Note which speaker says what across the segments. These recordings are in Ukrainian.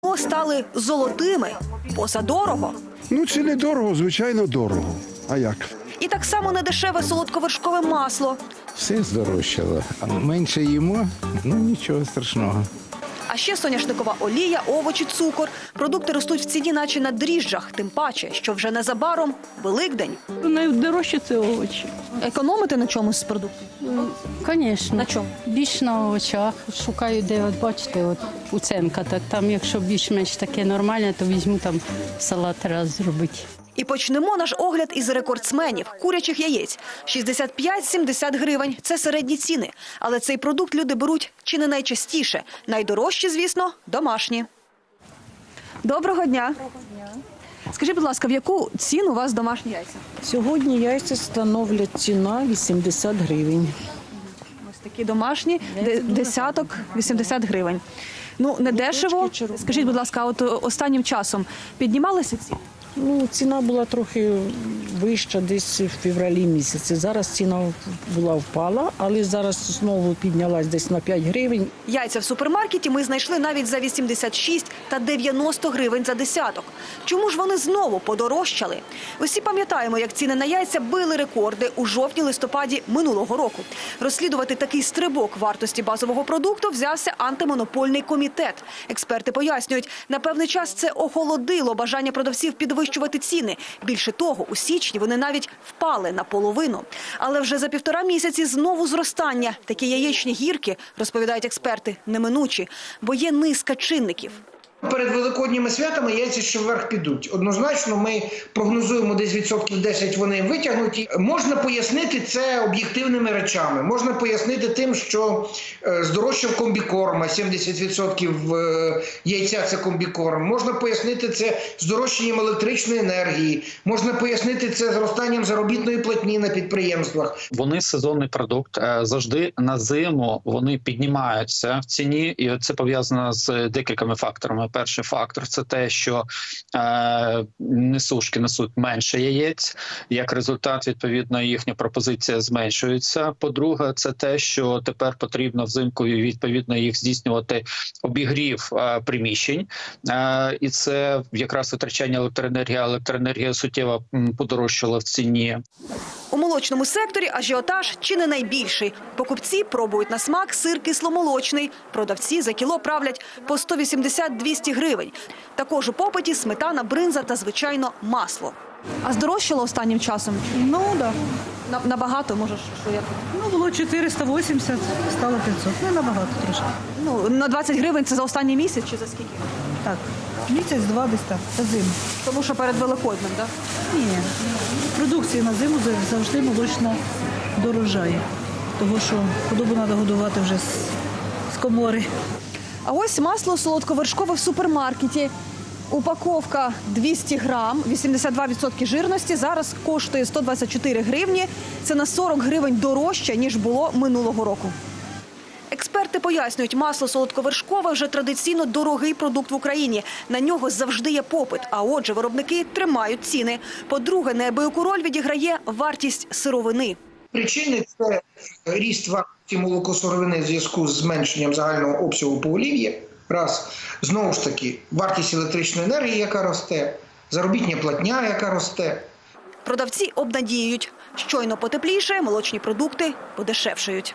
Speaker 1: чого стали золотими? Позадорого.
Speaker 2: Ну, це не дорого, звичайно, дорого. А як?
Speaker 1: І так само недешеве солодковершкове масло.
Speaker 3: Все здорожчало. А менше їмо, ну нічого страшного.
Speaker 1: А ще соняшникова олія, овочі, цукор. Продукти ростуть в ціні наче на дріжджах. Тим паче, що вже незабаром Великдень.
Speaker 4: Найдорожче це овочі.
Speaker 1: Економити на чомусь з продуктів?
Speaker 4: Звісно.
Speaker 1: На чому?
Speaker 4: Більш на овочах. Шукаю, де, от бачите, от уценка. Так, там, якщо більш-менш таке нормальне, то візьму там салат раз зробити.
Speaker 1: І почнемо наш огляд із рекордсменів – курячих яєць. 65-70 гривень – це середні ціни. Але цей продукт люди беруть чи не найчастіше. Найдорожчі, звісно, домашні. Доброго дня. Скажіть, будь ласка, в яку ціну у вас домашні яйця?
Speaker 5: Сьогодні яйця становлять ціна 80 гривень.
Speaker 1: Ось такі домашні, десяток, 80 гривень. Ну, не дешево. Скажіть, будь ласка, от останнім часом піднімалися ціни?
Speaker 5: Ну, ціна була трохи вища десь в февралі місяці. Зараз ціна впала, але зараз знову піднялась десь на 5 гривень.
Speaker 1: Яйця в супермаркеті ми знайшли навіть за 86 та 90 гривень за десяток. Чому ж вони знову подорожчали? Усі пам'ятаємо, як ціни на яйця били рекорди у жовтні-листопаді минулого року. Розслідувати такий стрибок вартості базового продукту взявся антимонопольний комітет. Експерти пояснюють, на певний час це охолодило бажання продавців підвищувати ціни. Більше того, у січні вони навіть впали наполовину. Але вже за 1,5 місяці знову зростання. Такі яєчні гірки, розповідають експерти, неминучі, бо є низка чинників.
Speaker 6: Перед великодніми святами яйця ще вверх підуть. Однозначно ми прогнозуємо десь відсотків 10 вони витягнуті. Можна пояснити це об'єктивними речами. Можна пояснити тим, що здорожчав комбікорм, 70% яйця – це комбікорм. Можна пояснити це здорожчанням електричної енергії. Можна пояснити це зростанням заробітної платні на підприємствах.
Speaker 7: Вони сезонний продукт. Завжди на зиму вони піднімаються в ціні. І це пов'язано з декількома факторами. Перший фактор – це те, що несушки несуть менше яєць. Як результат, відповідно, їхня пропозиція зменшується. По-друге, це те, що тепер потрібно взимку, відповідно, їх здійснювати обігрів приміщень. І це якраз витрачання електроенергії. Електроенергія суттєво подорожчала в ціні.
Speaker 1: У молочному секторі ажіотаж чи не найбільший. Покупці пробують на смак сир кисломолочний. Продавці за кіло правлять по 180-200 гривень. Також у попиті сметана, бринза та, звичайно, масло. А здорожчало останнім часом?
Speaker 8: Ну, так. Да.
Speaker 1: Набагато, може, що я...
Speaker 8: Ну, було 480, стало 500. Не набагато трошки.
Speaker 1: Ну, на 20 гривень це за останній місяць чи за скільки?
Speaker 8: Так, місяць-два десь так, за зиму.
Speaker 1: Тому що перед Великоднем, так?
Speaker 8: Ні, продукція на зиму завжди молочна дорожає. Тому що худобу треба годувати вже з комори.
Speaker 1: А ось масло солодковершкове в супермаркеті. Упаковка 200 грам, 82% жирності, зараз коштує 124 гривні. Це на 40 гривень дорожче, ніж було минулого року. Експерти пояснюють, масло солодковершкове вже традиційно дорогий продукт в Україні. На нього завжди є попит, а отже виробники тримають ціни. По-друге, неабияку роль відіграє вартість сировини.
Speaker 6: Причини – це ріст вартості молокосировини в зв'язку з зменшенням загального обсягу поголів'я. Раз. Знову ж таки, вартість електричної енергії, яка росте, заробітня платня, яка росте.
Speaker 1: Продавці обнадіюють. Щойно потепліше, молочні продукти подешевшають.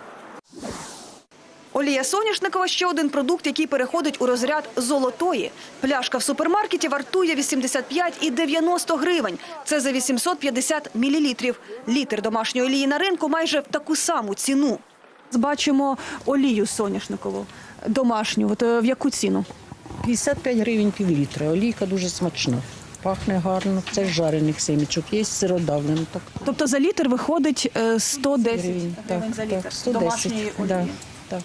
Speaker 1: Олія соняшникова – ще один продукт, який переходить у розряд золотої. Пляшка в супермаркеті вартує 85 і 90 гривень. Це за 850 мілілітрів. Літр домашньої олії на ринку майже в таку саму ціну. Бачимо олію соняшникову домашню. От в яку ціну?
Speaker 5: 55 гривень півлітра. Олійка дуже смачна. Пахне гарно. Це з жарених семічок. Є сиродавлено. Так.
Speaker 1: Тобто за літр виходить 110 гривень за літр
Speaker 5: 110.
Speaker 1: домашньої олії.
Speaker 5: Да, так.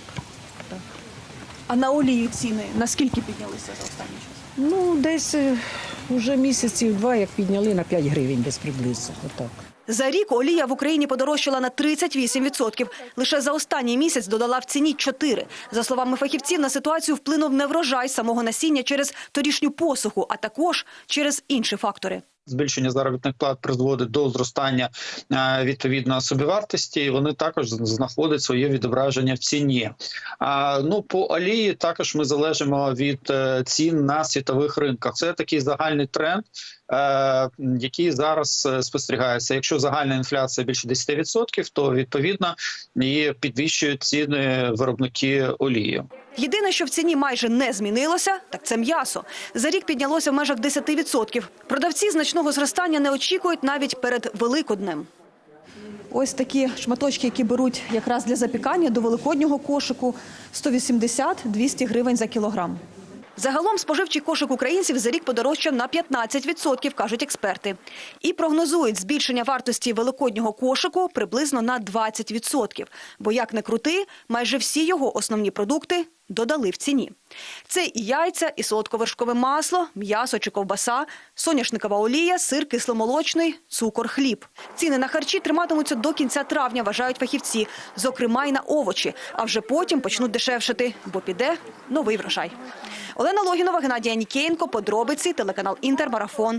Speaker 1: А на олію ціни наскільки піднялися за останній час?
Speaker 5: Ну, десь вже місяців 2, як підняли на 5 гривень десь приблизно. Отак.
Speaker 1: За рік олія в Україні подорожчала на 38%. Лише за останній місяць додала в ціні 4. За словами фахівців, на ситуацію вплинув неврожай самого насіння через торішню посуху, а також через інші фактори.
Speaker 7: збільшення заробітних плат призводить до зростання відповідно собівартості, і вони також знаходять своє відображення в ціні. По олії також ми залежимо від цін на світових ринках. Це такий загальний тренд, який зараз спостерігається. Якщо загальна інфляція більше 10%, то відповідно і підвищують ціни виробники олії.
Speaker 1: Єдине, що в ціні майже не змінилося, так це м'ясо. За рік піднялося в межах 10%. Продавці значного зростання не очікують навіть перед Великоднем. Ось такі шматочки, які беруть якраз для запікання до великоднього кошику – 180-200 гривень за кілограм. Загалом споживчий кошик українців за рік подорожчав на 15%, кажуть експерти. І прогнозують збільшення вартості великоднього кошику приблизно на 20%. Бо, як не крути, майже всі його основні продукти додали в ціні. Це і яйця, і солодковершкове масло, м'ясо чи ковбаса, соняшникова олія, сир кисломолочний, цукор, хліб. Ціни на харчі триматимуться до кінця травня, вважають фахівці. Зокрема, й на овочі. А вже потім почнуть дешевшати, бо піде новий врожай. Олена Логінова, Геннадій Анікієнко, подробиці, телеканал «Інтер», марафон.